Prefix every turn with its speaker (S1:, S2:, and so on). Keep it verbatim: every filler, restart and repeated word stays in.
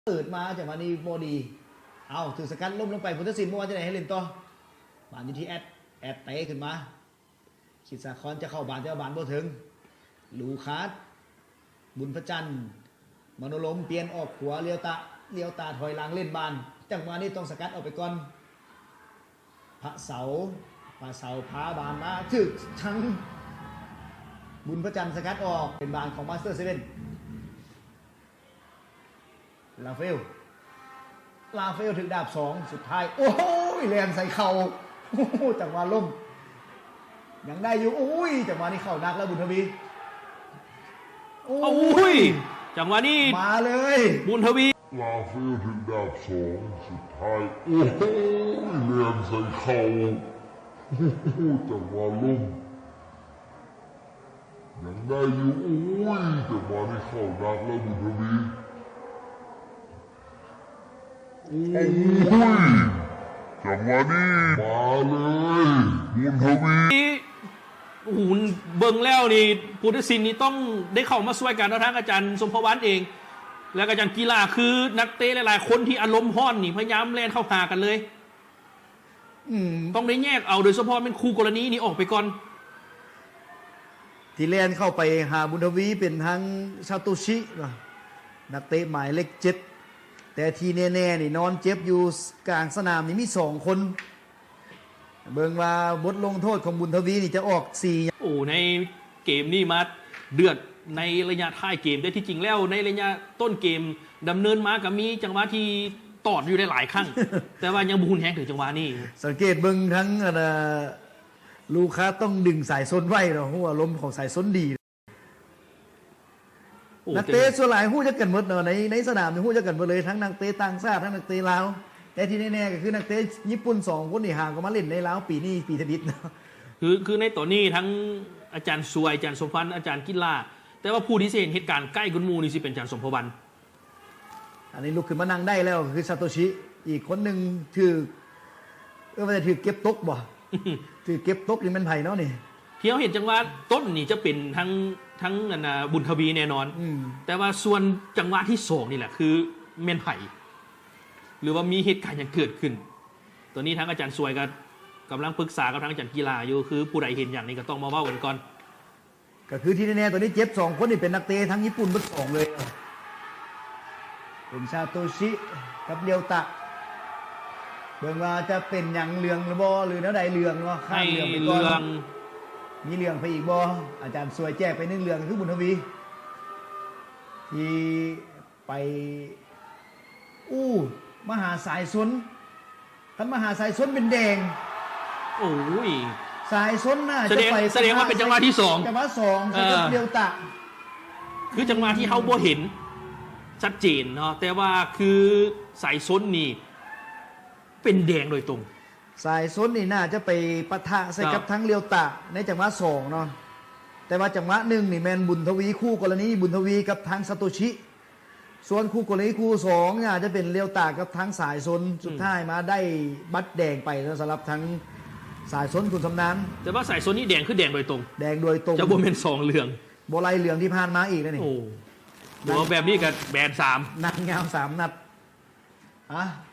S1: เปิดมาจากมานีโมดีเอาถึงสกัดล้มลงไปพุทธศิลป์เมื่อวานจะไหนให้เล่นต่อบานอยู่ที่แอดแอดเตะขึ้นมาขีดสาคอนจะเข้าบานจะบานบ่ถึงลูคาสบุญพระจันทร์มโนลมเปลี่ยนออกขวาเลี้ยวตาเลี้ยวตาถอยหลังเล่นบานจังหวะนี้ต้องสกัดออกไปก่อนพระเสาพระเสาพาบานมาถึกทั้งบุญพระจันทร์สกัดออกเป็นบานของมาสเตอร์เซเว่นลาเฟลลาเฟลถึงดาบสองสุดท้ายโอ้ยแรงใส่เข่าโอ้จังหวะล้มยังได้อยู่โอ้ยจังหวะนี้เข่านักแล้วบุญทวีโอ้
S2: ยจังหวะนี้
S1: มาเลย
S2: บุญทวี
S3: ลาเฟลถึงดาบสองสุดท้ายโอ้ยแรงใส่เข่าโอ้จังหวะล้มยังได้อยู่โอ้ยจังหวะนี้เข่านักแล้วบุญทวีโอ้ยจังหวะนี้มาเลยบุญทวี
S2: โอ้โหเบิ่งแล้วนี่พุทธศิลป์นี่ต้องได้เข้ามาช่วยกันนะทั้งอาจารย์สมภวันเอง และอาจารย์กีฬาคือนักเตะหลายๆคนที่อารมณ์ห้อนนี่พยายามแล่นเข้าหากันเลยต้องได้แยกเอาโดยเฉพาะเป็นคู่กรณีนี่ออกไปก่อน
S1: ที่แล่นเข้าไปหาบุญทวีเป็นทั้งซาโตชินักเตะหมายเลขเจ็ดแต่ทีแน่ๆนี่นอนเจ็บอยู่กลางสนามนี่มีสองคนเบิ่งว่าบทลงโทษของบุญทวีนี่จะออกสี่
S2: โอ้ในเกมนี่มาเดือดในระยะท้ายเกมได้ที่จริงแล้วในระยะต้นเกมดำเนินมากับมีจังหวะที่ตอดอยู่ได้หลายครั้ง แต่ว่ายังบุญแห้งถึงจังหวะนี้
S1: สังเกตเบิ่งทั้งลูค้าต้องดึงสายส้นไว้เนาะเพราะว่าลมของสายส้นดีนักเตะส่วนหลายหู้จะกันหมดเนาะในในสนามนี่หู้จะกันหมดเลยทั้งนักเตะต่างชาติทั้งนักเตะลาวแต่ที่แน่ๆก็คือนักเตะญี่ปุ่นสองคนนี่ห่างก็มาเล่นในลาวปีนี้ปีทบิดเนาะ
S2: คือคือในตัวนี้ทั้งอาจารย์สวยอาจารย์สมพันธ์อาจารย์กิฬาแต่ว่าผู้ที่เห็นเหตุการณ์ใกล้กุนมูนี่สิเป็นอาจารย์สมภวัน
S1: อันนี้ลุกขึ้นมานั่งได้แล้วคือซาโตชิอีกคนหนึ่งถือเออว่าจะถือเก็บตกบ่ ถือเก็บตกนี่มันไผ่เนาะนี่
S2: ที่เขาเห็นจังหวะต้นนี่จะเป็นทั้งทั้งบุญทวีแน่นอนแต่ว่าส่วนจังหวะที่สองนี่แหละคือเมนไผ่หรือว่ามีเหตุการณ์อย่างเกิดขึ้นตัวนี้ทั้งอาจารย์สวยกับกำลังปรึกษากับทั้งอาจารย์กีฬาอยู่คือผู้ใดเห็นอย่างนี้ก็ต้องมาว่ากันก่อน
S1: ก็คือที่แน่ๆตัวนี้เจ็บสองคนนี่เป็นนักเตะทั้งญี่ปุ่นทั้งสองเลยเป็นซาโตชิกับเรียวตะเบิ่งว่าจะเป็นอย่างเรืองหรือบ่หรือแนวใดเรืองเนาะ
S2: ข้ามเรืองไปก่อน
S1: มีเรืองไปอีกบ่อาจารย์สวยแจ้ไปนึงเรืองคือบุญทวีที่ไปอู้มหาสายสนท่านมหาสายสนเป็นแดง
S2: โอ้ย
S1: สายสนน่ะ
S2: จะไปแสดงว่าเป็นจังหวะที่สอง
S1: จังหวะสองกับเรียวตะ
S2: คือจังหวะที่เขาบ่เห็นชัดเจนเนาะแต่ว่าคือสายสนนี่เป็นแดงโดยตรง
S1: สายสนนี่น่าจะไปปะทะใส่กับทั้งเรียวตะในจังหวะสองเนาะแต่ว่าจังหวะหนึ่งนี่แมนบุญทวีคู่กรณีบุญทวีกับทางซาโตชิส่วนคู่กรณีคู่สองเนี่ยจะเป็นเรียวตะกับทั้งสายสนสุดท้ายมาได้บัตรแดงไปสำหรับทั้งสายสนคุณสำนาน
S2: แต่ว่าสายสนนี่แดงคือแดงโดยตรง
S1: แดงโดยตรง
S2: จะบ่เป็นสองเหลือง
S1: โบไลเหลืองที่ผ่านมาอีกนะนี่
S2: โอ้โหแบบนี้กับแบนสาม
S1: นัดเงาสามนัดอ่ะ